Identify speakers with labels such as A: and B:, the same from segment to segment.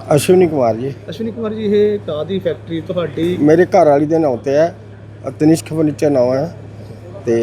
A: अश्विनी कुमार जी।
B: अश्विनी कुमार जी, ये कादी फैक्ट्री ਤੁਹਾਡੀ?
A: मेरे घर वाली के नाम से है, तनिष्क फर्नीचर नाम है। तो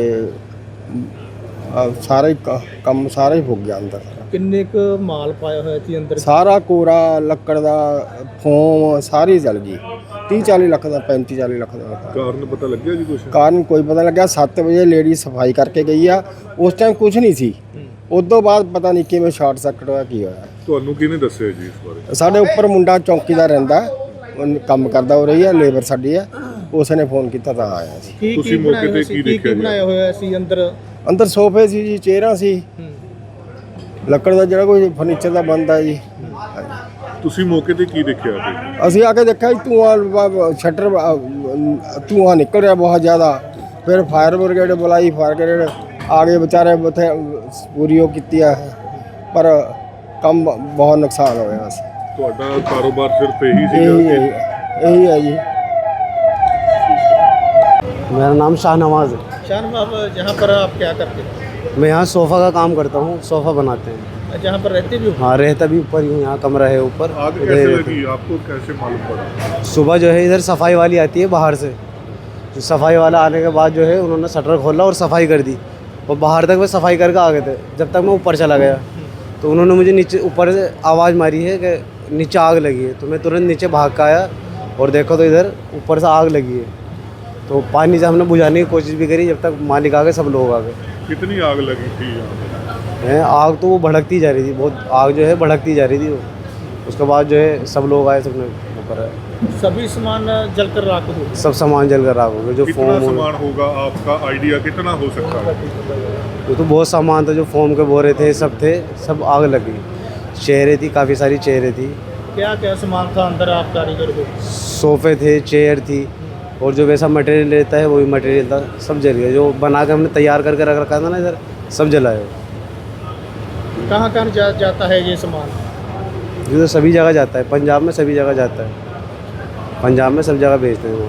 A: सारा ही कम सारा ही फुक गया अंदर।
B: ਕਿੰਨੇ ਕੁ ਮਾਲ ਪਾਇਆ ਹੋਇਆ ਸੀ ਅੰਦਰ?
A: सारा कोरा लक्कड़ का फोम सारी जल गई। 30-40 ਲੱਖ ਦਾ 35-40 ਲੱਖ ਦਾ
C: ਕਾਰਨ ਪਤਾ ਲੱਗਿਆ ਜੀ ਕੁਛ?
A: ਕਾਰਨ ਕੋਈ ਪਤਾ ਲੱਗਿਆ। 7 ਵਜੇ ਲੇਡੀ ਸਫਾਈ ਕਰਕੇ ਗਈ ਆ, ਉਸ ਟਾਈਮ ਕੁਝ ਨਹੀਂ ਸੀ। ਉਸ ਤੋਂ ਬਾਅਦ ਪਤਾ ਨਹੀਂ ਕਿਵੇਂ ਸ਼ਾਰਟ ਸਰਕਟ ਹੋਇਆ, ਕੀ ਹੋਇਆ।
C: ਤੁਹਾਨੂੰ ਕਿਹਨੇ ਦੱਸਿਆ ਜੀ ਇਸ ਬਾਰੇ?
A: ਸਾਡੇ ਉੱਪਰ ਮੁੰਡਾ ਚੌਂਕੀਦਾਰ ਰਹਿੰਦਾ, ਉਹ ਕੰਮ ਕਰਦਾ ਹੋ ਰਹੀ ਹੈ, ਲੇਬਰ ਸਾਡੀ ਹੈ, ਉਸ ਨੇ ਫੋਨ ਕੀਤਾ ਤਾਂ ਆਇਆ ਸੀ।
C: ਤੁਸੀਂ ਮੌਕੇ ਤੇ ਕੀ ਦੇਖਿਆ?
B: ਬਣਾਇਆ ਹੋਇਆ ਸੀ ਅੰਦਰ?
A: ਅੰਦਰ ਸੋਫੇ ਸੀ ਜੀ, ਚੇਅਰਾਂ ਸੀ, ਲੱਕੜ ਦਾ ਜਿਹੜਾ ਕੋਈ ਫਰਨੀਚਰ ਦਾ ਬਣਦਾ ਜੀ।
C: ਤੁਸੀਂ ਮੌਕੇ ਤੇ ਕੀ ਦੇਖਿਆ?
A: ਅਸੀਂ ਆ ਕੇ ਦੇਖਿਆ ਜੀ, ਧੂੰਆਂ ਸ਼ਟਰ ਧੂੰਆਂ ਨਿਕਲ ਰਿਹਾ ਬਹੁਤ ਜ਼ਿਆਦਾ। ਫਿਰ ਫਾਇਰ ਬ੍ਰਿਗੇਡ ਬੁਲਾਈ, ਫਾਇਰ ਬ੍ਰਿਗੇਡ ਆ ਗਏ ਵਿਚਾਰੇ, ਉੱਥੇ ਪੂਰੀ ਉਹ ਕੀਤੀ ਆ, ਪਰ ਕੰਮ ਬਹੁਤ ਨੁਕਸਾਨ ਹੋਇਆ ਸੀ।
C: ਤੁਹਾਡਾ ਕਾਰੋਬਾਰ ਸਿਰਫ ਇਹੀ
A: यही है जी।
D: मेरा नाम शाहनवाज है।
B: शाहनवाज, यहाँ पर आप क्या करते हैं?
D: मैं यहाँ सोफ़ा का काम करता हूँ, सोफ़ा बनाते हैं।
B: जहाँ पर रहते भी हो?
D: हाँ, रहता भी ऊपर ही हूँ, यहाँ कमरा है ऊपर।
C: आग कैसे लगी आपको, कैसे मालूम पड़ा?
D: सुबह जो है इधर सफाई वाली आती है बाहर से, जो सफाई वाला आने के बाद जो है उन्होंने शटर खोला और सफाई कर दी, और बाहर तक वे सफाई करके आ गए थे। जब तक मैं ऊपर चला गया तो उन्होंने मुझे नीचे ऊपर से आवाज़ मारी है कि नीचे आग लगी है। तो मैं तुरंत नीचे भाग के आया और देखो तो इधर ऊपर से आग लगी है। तो पानी से हमने बुझाने की कोशिश भी करी, जब तक मालिक आ गए, सब लोग आ गए।
C: कितनी आग लगी थी यहाँ?
D: आग तो वो भड़कती जा रही थी, बहुत आग जो है भड़कती जा रही थी वो। उसके बाद जो है सब लोग आए, सबने ऊपर आए,
B: सभी सामान जलकर राख हो गए?
D: सब सामान जलकर राख हो गया। जो
C: कितना
D: फोम
C: सामान होगा, आपका आइडिया कितना हो सकता है?
D: वो तो बहुत सामान था, जो फोम के बोरे थे, सब थे, सब आग लगी। चेयरें थी, काफ़ी सारी चेयरें थी।
B: क्या क्या सामान था अंदर आप कारीगर को?
D: सोफ़े थे, चेयर थी, और जो वैसा मटेरियल रहता है वही मटेरियल था, सब जल गया। जो बना के हमने तैयार करके रख रखा था ना इधर, सब जलाए।
B: कहाँ कहाँ जाता है ये सामान?
D: ये तो सभी जगह जाता है, पंजाब में सभी जगह जाता है, पंजाब में सब जगह भेजते हैं वो।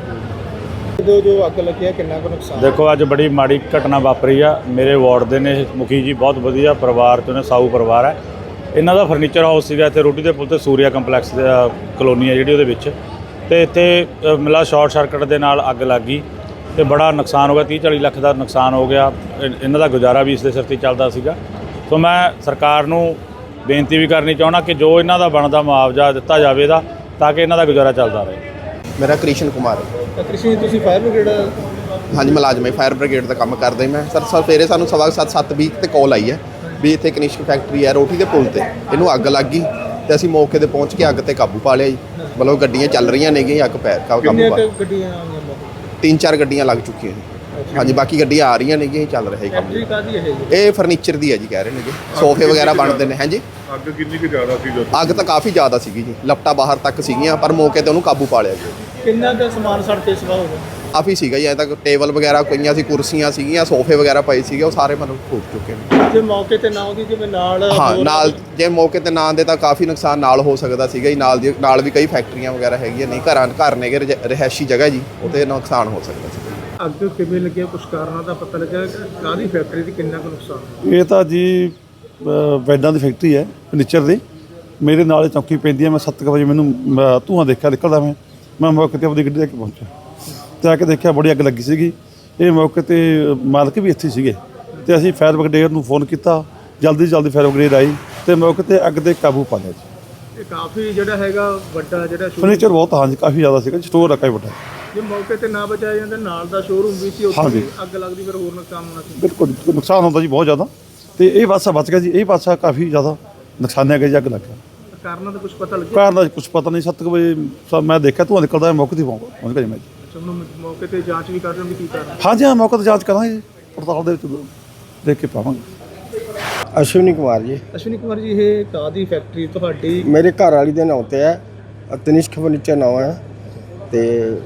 B: जो अग लगी है, कितना को नुकसान?
E: देखो अज बड़ी माड़ी घटना वापरी आ। मेरे वार्ड ਦੇ ਨੇ ਮੁਖੀ ਜੀ, ਬਹੁਤ ਵਧੀਆ ਪਰਿਵਾਰ ਤੋਂ ਨੇ, ਸਾਊ ਪਰਿਵਾਰ ਹੈ। ਇਹਨਾਂ ਦਾ ਫਰਨੀਚਰ ਹਾਊਸ ਸੀਗਾ ਇੱਥੇ ਰੋਟੀ ਦੇ ਪੁਲ ਤੇ, ਸੂਰਿਆ ਕੰਪਲੈਕਸ ਦੇ ਕਲੋਨੀ ਹੈ ਜਿਹੜੀ ਉਹਦੇ ਵਿੱਚ, ਤੇ ਇੱਥੇ ਮਿਲਾ ਸ਼ਾਰਟ ਸਰਕਟ ਦੇ ਨਾਲ ਅੱਗ ਲੱਗ ਗਈ ਤੇ ਬੜਾ ਨੁਕਸਾਨ ਹੋ ਗਿਆ। 30-40 ਲੱਖ ਦਾ ਨੁਕਸਾਨ ਹੋ ਗਿਆ। ਇਹਨਾਂ ਦਾ ਗੁਜ਼ਾਰਾ ਵੀ ਇਸ ਦੇ ਸਿਰ ਤੇ ਚੱਲਦਾ ਸੀਗਾ। ਸੋ ਮੈਂ ਸਰਕਾਰ ਨੂੰ ਬੇਨਤੀ ਵੀ ਕਰਨੀ ਚਾਹੁੰਦਾ ਕਿ ਜੋ ਇਹਨਾਂ ਦਾ ਬਣਦਾ ਮੁਆਵਜ਼ਾ ਦਿੱਤਾ ਜਾਵੇ ਦਾ, ਤਾਂ ਕਿ ਇਹਨਾਂ ਦਾ ਗੁਜ਼ਾਰਾ ਚੱਲਦਾ ਰਹੇ।
F: मेरा कृष्ण कुमार है।
B: कृषि ਤੁਸੀਂ ਫਾਇਰ ਬ੍ਰਿਗੇਡ?
F: हाँ जी, मुलाजम है, फायर ब्रिगेड का काम करदा मैं सर। सवेरे सानू 7:20 ਤੇ ਕਾਲ ਆਈ ਹੈ ਵੀ ਇੱਥੇ ਕਨਿਸ਼ਕ ਫੈਕਟਰੀ ਹੈ ਰੋਟੀ ਦੇ ਪੁਲ ਤੇ, ਇਹਨੂੰ ਅੱਗ ਲੱਗ ਗਈ ਤੇ ਅਸੀਂ ਮੌਕੇ ਤੇ ਪਹੁੰਚ ਕੇ ਅੱਗ ਤੇ ਕਾਬੂ ਪਾ ਲਿਆ ਜੀ। ਮਤਲਬ ਗੱਡੀਆਂ ਚੱਲ ਰਹੀਆਂ ਨੇਗੀਆਂ, ਅੱਗ ਪੈ ਕਾਬੂ ਪਾ।
B: ਗੱਡੀਆਂ ਆਈਆਂ?
F: 3-4 ਗੱਡੀਆਂ ਲੱਗ ਚੁੱਕੀਆਂ ਨੇ। ਹਾਂਜੀ, ਬਾਕੀ ਗੱਡੀਆਂ ਆ ਰਹੀਆਂ ਨੇਗੀਆਂ, ਚੱਲ ਰਿਹਾ ਕੰਮ।
B: ਫੈਕਟਰੀ ਕਾਦੀ ਹੈ ਜੀ?
F: ਇਹ ਫਰਨੀਚਰ ਦੀ ਹੈ ਜੀ, ਕਹਿ ਰਹੇ ਨੇ ਜੀ, ਸੋਫੇ ਵਗੈਰਾ ਬਣਦੇ ਨੇ। ਹਾਂਜੀ,
C: ਅੱਗ ਕਿੰਨੀ ਕੁ ਜ਼ਿਆਦਾ ਸੀ ਜਦੋਂ?
F: ਅੱਗ ਤਾਂ ਕਾਫੀ ਜ਼ਿਆਦਾ ਸੀਗੀ ਜੀ, ਲਪਟਾ ਬਾਹਰ ਤੱਕ ਸੀਗੀਆਂ, ਪਰ ਮੌਕੇ ਤੇ ਉਹਨੂੰ ਕਾਬੂ ਪਾ ਲਿਆ ਜੀ।
B: ਕਿੰਨਾ ਦਾ ਸਮਾਨ ਸੜ ਕੇ ਸਵਾ ਹੋ ਗਿਆ?
F: ਕਾਫੀ ਸੀਗਾ ਜੀ, ਐਂ ਤੱਕ ਟੇਬਲ ਵਗੈਰਾ ਪਈਆਂ ਸੀ, ਕੁਰਸੀਆਂ ਸੀਗੀਆਂ, ਸੋਫੇ ਵਗੈਰਾ ਪਏ ਸੀਗੇ, ਉਹ ਸਾਰੇ ਮਤਲਬ ਫੂਕ ਚੁੱਕੇ ਨੇ।
B: ਜੇ ਮੌਕੇ ਤੇ ਨਾ ਹੁੰਦੀ, ਜਿਵੇਂ ਨਾਲ
F: ਹਾਂ, ਨਾਲ ਜੇ ਮੌਕੇ ਤੇ ਨਾ ਆਉਂਦੇ ਤਾਂ ਕਾਫੀ ਨੁਕਸਾਨ ਨਾਲ ਹੋ ਸਕਦਾ ਸੀਗਾ ਜੀ। ਨਾਲ ਵੀ ਕਈ ਫੈਕਟਰੀਆਂ ਵਗੈਰਾ ਹੈਗੀਆਂ, ਨਹੀਂ ਘਰ ਨੇਗੇ, ਰਿਹਾਇਸ਼ੀ ਜਗ੍ਹਾ ਜੀ, ਉਹਤੇ ਨੁਕਸਾਨ ਹੋ ਸਕਦਾ ਸੀ।
B: ਅੱਗ ਕਿਵੇਂ ਲੱਗਿਆ, ਕੁਛ ਕਾਰਨਾਂ ਦਾ ਪਤਾ ਲੱਗਿਆ? ਕਾਦੀ ਫੈਕਟਰੀ ਦੀ ਕਿੰਨਾ ਕੁ ਨੁਕਸਾਨ?
G: ਇਹ ਤਾਂ ਜੀ ਬੈਡਾਂ ਦੀ ਫੈਕਟਰੀ ਹੈ, ਫਰਨੀਚਰ ਦੀ। ਮੇਰੇ ਨਾਲ ਚੌਂਕੀ ਪੈਂਦੀ ਹੈ। ਮੈਂ 7 ਵਜੇ ਮੈਨੂੰ ਧੂੰਆਂ ਦੇਖਿਆ ਨਿਕਲਦਾ। ਮੈਂ ਮੌਕੇ 'ਤੇ ਆਪਣੀ ਗੱਡੀ ਲੈ ਕੇ ਪਹੁੰਚਿਆ ਤੇ ਆ ਕੇ ਦੇਖਿਆ ਬੜੀ ਅੱਗ ਲੱਗੀ ਸੀਗੀ। ਇਹ ਮੌਕੇ 'ਤੇ ਮਾਲਕ ਵੀ ਇੱਥੇ ਸੀਗੇ ਤੇ ਅਸੀਂ ਫਾਇਰ ਬ੍ਰਿਗੇਡ ਨੂੰ ਫੋਨ ਕੀਤਾ। ਜਲਦੀ ਫਾਇਰ ਬ੍ਰਿਗੇਡ ਆਈ ਤੇ ਮੌਕੇ 'ਤੇ ਅੱਗ 'ਤੇ ਕਾਬੂ ਪਾ ਲਿਆ ਜੀ।
B: ਇਹ ਕਾਫੀ ਜਿਹੜਾ ਹੈਗਾ ਵੱਡਾ ਜਿਹੜਾ
G: ਫਰਨੀਚਰ ਬਹੁਤ, ਹਾਂਜੀ, ਕਾਫੀ ਜ਼ਿਆਦਾ ਸੀਗਾ, ਸਟੋਰ ਆ ਕਾਫੀ ਵੱਡਾ।
B: ਜੇ ਮੌਕੇ ਤੇ ਨਾ ਬਚਾਇਆ ਜਾਂਦਾ, ਨਾਲ ਦਾ ਸ਼ੋਰੂਮ ਵੀ ਸੀ, ਉੱਥੇ ਵੀ ਅੱਗ ਲੱਗਦੀ, ਫਿਰ ਹੋਰ ਨੁਕਸਾਨ ਹੋਣਾ ਸੀ।
G: ਬਿਲਕੁਲ ਨੁਕਸਾਨ ਹੁੰਦਾ ਜੀ ਬਹੁਤ ਜ਼ਿਆਦਾ, ਤੇ ਇਹ ਪਾਸਾ ਬਚ ਗਿਆ ਜੀ। ਇਹ ਪਾਸਾ ਕਾਫੀ ਜ਼ਿਆਦਾ ਨੁਕਸਾਨਿਆ ਗਿਆ ਜੀ, ਅੱਗ ਲੱਗ ਗਿਆ।
B: ਕਾਰਨਾਂ ਦਾ ਕੁਝ ਪਤਾ ਲੱਗਿਆ?
G: ਕਾਰਨ ਦਾ ਕੁਝ ਪਤਾ ਨਹੀਂ। 7 ਵਜੇ ਮੈਂ ਦੇਖਿਆ ਧੂੰਆਂ ਨਿਕਲਦਾ, ਮੌਕੇ 'ਤੇ ਪਹੁੰਚ ਗਿਆ ਜੀ ਮੈਂ ਜੀ।
B: ਮੌਕੇ ਤੇ ਜਾਂਚ ਵੀ ਕਰ ਰਹੇ ਹੋ ਵੀ ਕੀ ਕਾਰਨ?
G: ਹਾਂਜੀ, ਹਾਂ, ਮੌਕੇ 'ਤੇ ਜਾਂਚ ਕਰਾਂਗੇ, ਪੜਤਾਲ ਦੇ ਵਿੱਚ ਦੇਖ ਕੇ ਪਾਵਾਂਗੇ।
A: अश्विनी कुमार जी।
B: अश्विनी कुमार जी, ये कादी फैक्ट्री ਤੁਹਾਡੀ?
A: मेरे घर वाली के नाम से है, तनिष्क फर्नीचर नाम है। तो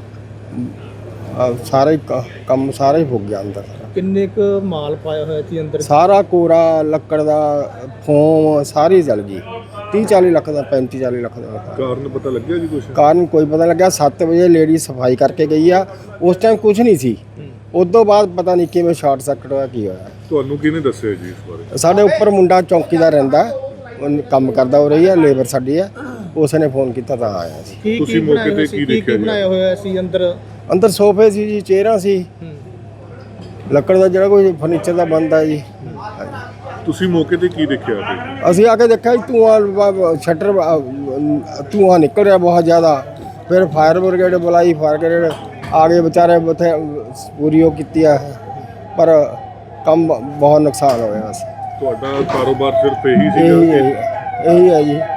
A: सारा ही कम सारा ही फुक गया अंदर।
B: ਕਿੰਨੇ ਕੁ ਮਾਲ ਪਾਇਆ ਹੋਇਆ ਸੀ ਅੰਦਰ?
A: सारा कोरा लक्कड़ का फोम सारी जल गई। 30-40 ਲੱਖ ਦਾ 35-40 ਲੱਖ ਦਾ
C: ਕਾਰਨ ਪਤਾ ਲੱਗਿਆ ਜੀ ਕੁਛ?
A: ਕਾਰਨ ਕੋਈ ਪਤਾ ਲੱਗਿਆ। 7 ਵਜੇ ਲੇਡੀ ਸਫਾਈ ਕਰਕੇ ਗਈ ਆ, ਉਸ ਟਾਈਮ ਕੁਝ ਨਹੀਂ ਸੀ। ਉਸ ਤੋਂ ਬਾਅਦ ਪਤਾ ਨਹੀਂ ਕਿਵੇਂ ਸ਼ਾਰਟ ਸਰਕਟ ਹੋਇਆ, ਕੀ ਹੋਇਆ।
C: ਤੁਹਾਨੂੰ ਕਿਹਨੇ ਦੱਸਿਆ ਜੀ ਇਸ ਬਾਰੇ?
A: ਸਾਡੇ ਉੱਪਰ ਮੁੰਡਾ ਚੌਂਕੀਦਾਰ ਰਹਿੰਦਾ, ਉਹ ਕੰਮ ਕਰਦਾ ਹੋ ਰਹੀ ਹੈ, ਲੇਬਰ ਸਾਡੀ ਹੈ, ਉਸਨੇ ਫੋਨ ਕੀਤਾ ਤਾਂ ਆਇਆ ਸੀ।
B: ਕੀ
C: ਤੁਸੀਂ
B: ਕੀ
C: ਮੌਕੇ
B: ਬਣਾਇਆ
C: ਤੇ
B: ਹੋਇਆ ਸੀ?
C: ਕੀ
B: ਕੀ
C: ਦੇਖਿਆ ਜੀ?
B: ਬਣਾਇਆ ਹੋਇਆ ਸੀ ਅੰਦਰ?
A: ਅੰਦਰ ਸੋਫੇ ਸੀ ਜੀ, ਚੇਅਰਾਂ ਸੀ,
B: ਹੂੰ।
A: ਲੱਕੜ ਦਾ ਜਿਹੜਾ ਕੋਈ ਫਰਨੀਚਰ ਦਾ ਬਣਦਾ ਜੀ।
C: ਤੁਸੀਂ ਮੌਕੇ ਤੇ ਕੀ ਦੇਖਿਆ ਜੀ?
A: ਅਸੀਂ ਆ ਕੇ ਦੇਖਿਆ ਜੀ ਸ਼ਟਰ ਧੂੰਆਂ ਨਿਕਲ ਰਿਹਾ ਬਹੁਤ ਜ਼ਿਆਦਾ। ਫਿਰ ਫਾਇਰ ਬ੍ਰਿਗੇਡ ਬੁਲਾਈ, ਫਾਇਰ ਬ੍ਰਿਗੇਡ ਆ ਗਏ ਵਿਚਾਰੇ ਉੱਥੇ ਪੂਰੀ ਉਹ ਕੀਤੀ ਆ, ਪਰ ਕੰਮ ਬਹੁਤ ਨੁਕਸਾਨ ਹੋਇਆ ਸੀ।
C: ਤੁਹਾਡਾ ਕਾਰੋਬਾਰ ਸਿਰਫ ਇਹੀ
A: ਇਹੀ
C: ਸੀਗਾ?
A: ਹੈ ਇਹੀ है जी।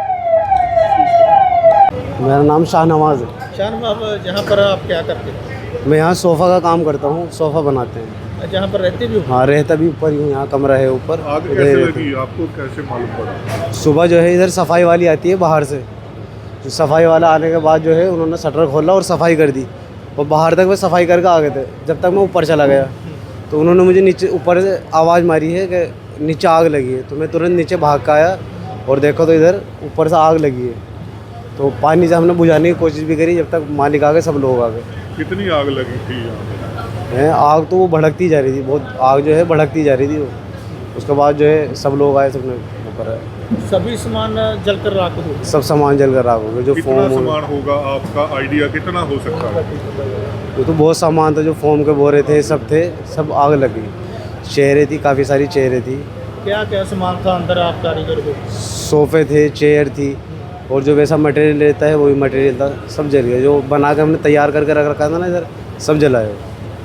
D: मेरा नाम शाहनवाज है।
B: शान बाब, जहाँ पर आप क्या करते हैं?
D: मैं यहाँ सोफ़ा का काम करता हूँ, सोफ़ा बनाते हैं।
B: जहाँ पर रहते भी हो?
D: हाँ, रहता भी ऊपर ही हूँ, यहाँ कमरा है ऊपर।
C: आग
D: इधर
C: कैसे
D: ही रहता
C: लगी आपको, कैसे मालूम पड़ा?
D: हूँ। सुबह जो है इधर सफाई वाली आती है बाहर से, जो सफाई वाला आने के बाद जो है उन्होंने शटर खोला और सफाई कर दी, और बाहर तक वे सफाई करके आ गए थे। जब तक मैं ऊपर चला गया तो उन्होंने मुझे नीचे ऊपर से आवाज़ मारी है कि नीचे आग लगी है। तो मैं तुरंत नीचे भाग कर आया और देखो तो इधर ऊपर से आग लगी है। तो पानी से हमने बुझाने की कोशिश भी करी, जब तक मालिक आ गए, सब लोग आ गए
C: कितनी आग लगी थी यहाँ?
D: हैं। आग तो वो भड़कती जा रही थी, बहुत आग जो है भड़कती जा रही थी वो। उसके बाद जो है सब लोग आए, सबने वो करा,
B: सभी सामान जलकर राख हो गए।
D: सब सामान जल कर आग हो गया। जो
C: कितना
D: फोम
C: सामान होगा, आपका आइडिया कितना हो सकता है?
D: वो तो बहुत सामान था, जो फोम के बोरे थे, सब थे, सब आग लगी। चेयरें थी, काफ़ी सारी चेयरें थी,
B: क्या क्या सामान था अंदर आप कारीगर को?
D: सोफ़े थे, चेयर थी, और जो वैसा मटेरियल रहता है वही मटेरियल था, सब जल गया। जो बना के हमने तैयार करके रख रखा था ना इधर, सब जलाए।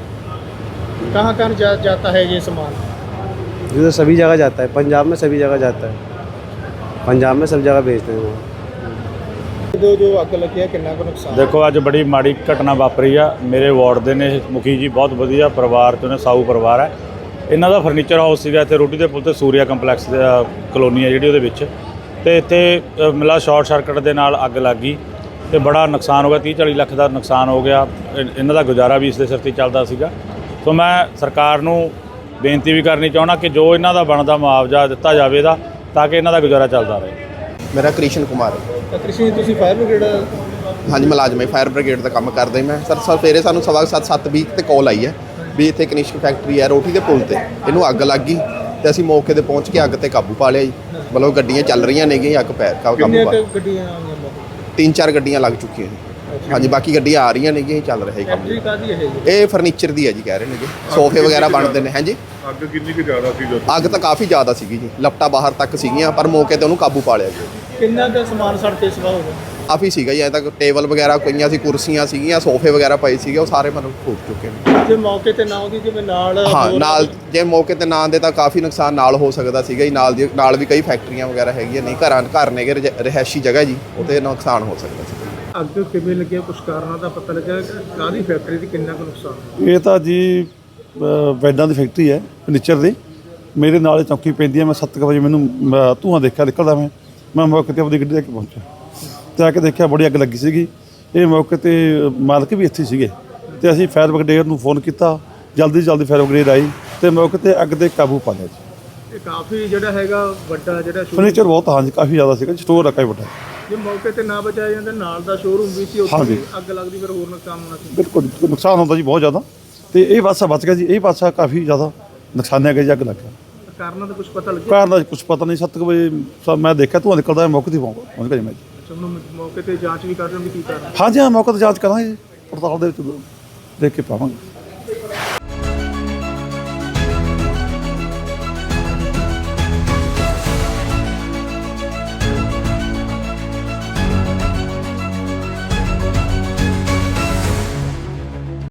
B: कहाँ कहाँ जाता है ये सामान?
D: ये तो सभी जगह जाता है, पंजाब में सभी जगह जाता है, पंजाब में सब जगह भेजते हैं वो।
B: जो अग लगी है कितना को नुकसान?
E: ਦੇਖੋ ਅੱਜ ਬੜੀ ਮਾੜੀ ਘਟਨਾ ਵਾਪਰੀ ਆ। ਮੇਰੇ ਵਾਰਡ ਦੇ ਨੇ ਮੁਖੀ ਜੀ, ਬਹੁਤ ਵਧੀਆ ਪਰਿਵਾਰ ਚੋਂ ਨੇ, ਸਾਊ ਪਰਿਵਾਰ ਹੈ। ਇਹਨਾਂ ਦਾ ਫਰਨੀਚਰ ਹਾਊਸ ਸੀਗਾ ਇੱਥੇ ਰੋਟੀ ਦੇ ਪੁਲ ਤੇ, ਸੂਰਿਆ ਕੰਪਲੈਕਸ ਦੇ ਕਲੋਨੀ ਹੈ ਜਿਹੜੀ ਉਹਦੇ ਵਿੱਚ, ਤੇ ਇੱਥੇ ਮਿਲਾ ਸ਼ਾਰਟ ਸਰਕਟ ਦੇ ਨਾਲ ਅੱਗ ਲੱਗ ਗਈ ਤੇ ਬੜਾ ਨੁਕਸਾਨ ਹੋ ਗਿਆ। 30-40 ਲੱਖ ਦਾ ਨੁਕਸਾਨ ਹੋ ਗਿਆ। ਇਹਨਾਂ ਦਾ ਗੁਜ਼ਾਰਾ ਵੀ ਇਸ ਦੇ ਸਿਰ ਤੇ ਚੱਲਦਾ ਸੀਗਾ। ਸੋ ਮੈਂ ਸਰਕਾਰ ਨੂੰ ਬੇਨਤੀ ਵੀ ਕਰਨੀ ਚਾਹੁੰਦਾ ਕਿ ਜੋ ਇਹਨਾਂ ਦਾ ਬਣਦਾ ਮੁਆਵਜ਼ਾ ਦਿੱਤਾ ਜਾਵੇ ਦਾ, ਤਾਂ ਕਿ ਇਹਨਾਂ ਦਾ ਗੁਜ਼ਾਰਾ ਚੱਲਦਾ ਰਹੇ।
F: ਮੇਰਾ ਕ੍ਰਿਸ਼ਨ ਕੁਮਾਰ ਹੈ।
B: कृषि ਤੁਸੀਂ ਫਾਇਰ ਬ੍ਰਿਗੇਡ?
F: ਹਾਂਜੀ, ਮੁਲਾਜ਼ਮ ਹੈ, ਫਾਇਰ ਬ੍ਰਿਗੇਡ ਦਾ ਕੰਮ ਕਰਦਾ ਮੈਂ ਸਰ। ਸਵੇਰੇ ਸਾਨੂੰ 7:20 ਤੇ ਕਾਲ ਆਈ ਹੈ ਵੀ ਇੱਥੇ ਕਨਿਸ਼ਕ ਫੈਕਟਰੀ ਹੈ ਰੋਟੀ ਦੇ ਪੁਲ ਤੇ, ਇਹਨੂੰ ਅੱਗ ਲੱਗ ਗਈ ਤੇ ਅਸੀਂ ਮੌਕੇ ਤੇ ਪਹੁੰਚ ਕੇ ਅੱਗ ਤੇ ਕਾਬੂ ਪਾ ਲਿਆ ਜੀ। ਮਤਲਬ ਗੱਡੀਆਂ ਚੱਲ ਰਹੀਆਂ ਨੇਗੀਆਂ, ਅੱਗ ਕਾਬੂ
B: ਕਿੰਨੀਆਂ
F: ਪਾ
B: ਕੁ ਗੱਡੀਆਂ ਆਈਆਂ ਮੌਕੇ?
F: 3-4 ਗੱਡੀਆਂ ਲੱਗ ਚੁੱਕੀਆਂ ਜੀ। ਹਾਂਜੀ, ਬਾਕੀ ਗੱਡੀਆਂ ਆ ਰਹੀਆਂ ਨੇਗੀਆਂ, ਚੱਲ ਰਿਹਾ ਜੀ ਕੰਮ।
B: ਫੈਕਟਰੀ ਕਾਹਦੀ ਹੈ ਜੀ?
F: ਇਹ ਫਰਨੀਚਰ ਦੀ ਹੈ ਜੀ, ਕਹਿ ਰਹੇ ਨੇਗੇ ਸੋਫੇ ਵਗੈਰਾ ਬਣਦੇ ਨੇ। ਹਾਂਜੀ,
C: ਅੱਗ ਕਿੰਨੀ ਕੁ ਜ਼ਿਆਦਾ ਸੀ ਜਦੋਂ?
F: ਅੱਗ ਤਾਂ ਕਾਫੀ ਜ਼ਿਆਦਾ ਸੀਗੀ ਜੀ, ਲਪਟਾ ਬਾਹਰ ਤੱਕ ਸੀਗੀਆਂ, ਪਰ ਮੌਕੇ ਤੇ ਉਹਨੂੰ ਕਾਬੂ ਪਾ ਲਿਆ ਜੀ।
B: ਕਿੰਨਾ ਕੁ ਸਮਾਨ ਸੜ ਕੇ ਸਵਾ ਹੋ ਗਿਆ?
F: ਕਾਫੀ ਸੀਗਾ ਜੀ, ਐਂ ਤੱਕ ਟੇਬਲ ਵਗੈਰਾ ਪਈਆਂ ਸੀ, ਕੁਰਸੀਆਂ ਸੀਗੀਆਂ, ਸੋਫੇ ਵਗੈਰਾ ਪਏ ਸੀਗੇ, ਉਹ ਸਾਰੇ ਮਤਲਬ ਫੂਕ ਚੁੱਕੇ ਨੇ।
B: ਜੇ ਮੌਕੇ ਤੇ ਨਾ ਹੁੰਦੀ, ਜਿਵੇਂ ਨਾਲ
F: ਹਾਂ,
B: ਹੋਰ-
F: ਨਾਲ ਜੇ ਮੌਕੇ ਤੇ ਨਾ ਆਉਂਦੇ ਤਾਂ ਕਾਫੀ ਨੁਕਸਾਨ ਨਾਲ ਹੋ ਸਕਦਾ ਸੀਗਾ ਜੀ। ਨਾਲ ਵੀ ਕਈ ਫੈਕਟਰੀਆਂ ਵਗੈਰਾ ਹੈਗੀਆਂ, ਨਹੀਂ ਘਰ ਨੇਗੇ, ਰਿਹਾਇਸ਼ੀ ਜਗ੍ਹਾ ਜੀ, ਉਹਤੇ ਨੁਕਸਾਨ ਹੋ ਸਕਦਾ ਸੀ।
B: ਅੱਗ ਕਿਵੇਂ ਲੱਗਿਆ, ਕੁਛ ਕਾਰਨਾਂ ਦਾ ਪਤਾ ਲੱਗਿਆ? ਕਾਹਦੀ ਫੈਕਟਰੀ ਦੀ, ਕਿੰਨਾ ਕੁ ਨੁਕਸਾਨ?
G: ਇਹ ਤਾਂ ਜੀ ਬੈੱਡਾਂ ਦੀ ਫੈਕਟਰੀ ਹੈ ਫਰਨੀਚਰ ਦੀ। ਮੇਰੇ ਨਾਲ ਹੀ ਚੌਂਕੀ ਪੈਂਦੀ ਹੈ। ਮੈਂ 7 ਵਜੇ ਮੈਨੂੰ ਧੂੰਆਂ ਦੇਖਿਆ ਨਿਕਲਦਾ। ਮੈਂ ਮੌਕੇ ਤੇ ਆਪਣੀ ਗੱਡੀ ਲੈ ਕੇ ਪਹੁੰਚਿਆ ਤੇ ਆ ਕੇ ਦੇਖਿਆ ਬੜੀ ਅੱਗ ਲੱਗੀ ਸੀਗੀ। ਇਹ ਮੌਕੇ ਤੇ ਮਾਲਕ ਵੀ ਇੱਥੇ ਸੀਗੇ ਤੇ ਅਸੀਂ ਫਾਇਰ ਬ੍ਰਿਗੇਡ ਨੂੰ ਫੋਨ ਕੀਤਾ। ਜਲਦੀ ਫਾਇਰ ਬ੍ਰਿਗੇਡ ਆਈ ਤੇ ਮੌਕੇ ਤੇ ਅੱਗ ਤੇ ਕਾਬੂ ਪਾ ਲਿਆ ਜੀ।
B: ਇਹ ਕਾਫੀ ਜਿਹੜਾ ਹੈਗਾ ਵੱਡਾ ਜਿਹੜਾ
G: ਫਰਨੀਚਰ ਬਹੁਤ, ਹਾਂਜੀ, ਕਾਫੀ ਜ਼ਿਆਦਾ ਸੀਗਾ। ਸਟੋਰ ਆ ਕਾਫੀ ਵੱਡਾ।
B: ਜੇ ਮੌਕੇ ਤੇ ਨਾ ਬਚਾਇਆ ਜਾਂਦਾ, ਨਾਲ ਦਾ ਸ਼ੋਰੂਮ ਵੀ ਸੀ, ਉੱਥੇ
G: ਹਾਂਜੀ।
B: ਵੀ ਅੱਗ ਲੱਗਦੀ, ਫਿਰ ਹੋਰ ਨੁਕਸਾਨ ਹੋਣਾ ਸੀ।
G: ਬਿਲਕੁਲ ਨੁਕਸਾਨ ਹੁੰਦਾ ਜੀ ਬਹੁਤ ਜ਼ਿਆਦਾ, ਤੇ ਇਹ ਪਾਸਾ ਬਚ ਗਿਆ ਜੀ। ਇਹ ਪਾਸਾ ਕਾਫੀ ਜ਼ਿਆਦਾ ਨੁਕਸਾਨਿਆ ਗਿਆ ਜੀ, ਅੱਗ ਲੱਗ ਗਿਆ।
B: ਕਾਰਨਾਂ ਦਾ ਕੁਝ ਪਤਾ ਲੱਗਿਆ?
G: ਕਾਰਨ ਦਾ ਕੁਝ ਪਤਾ ਨਹੀਂ। 7 ਵਜੇ ਮੈਂ ਦੇਖਿਆ ਧੂੰਆਂ ਨਿਕਲਦਾ, ਮੌਕੇ ਤੇ ਪਹੁੰਚ ਗਿਆ ਜੀ ਮੈਂ ਜੀ।
B: ਅੱਛਾ, ਹੁਣ ਮੌਕੇ ਤੇ ਜਾਂਚ ਵੀ ਕਰ ਰਹੇ ਹੋ ਵੀ ਕੀ ਕਾਰਨ?
G: ਹਾਂਜੀ, ਹਾਂ, ਮੌਕੇ ਤੇ ਜਾਂਚ ਕਰਾਂਗੇ, ਪੜਤਾਲ ਦੇ ਵਿੱਚ ਦੇਖ ਕੇ ਪਾਵਾਂਗੇ।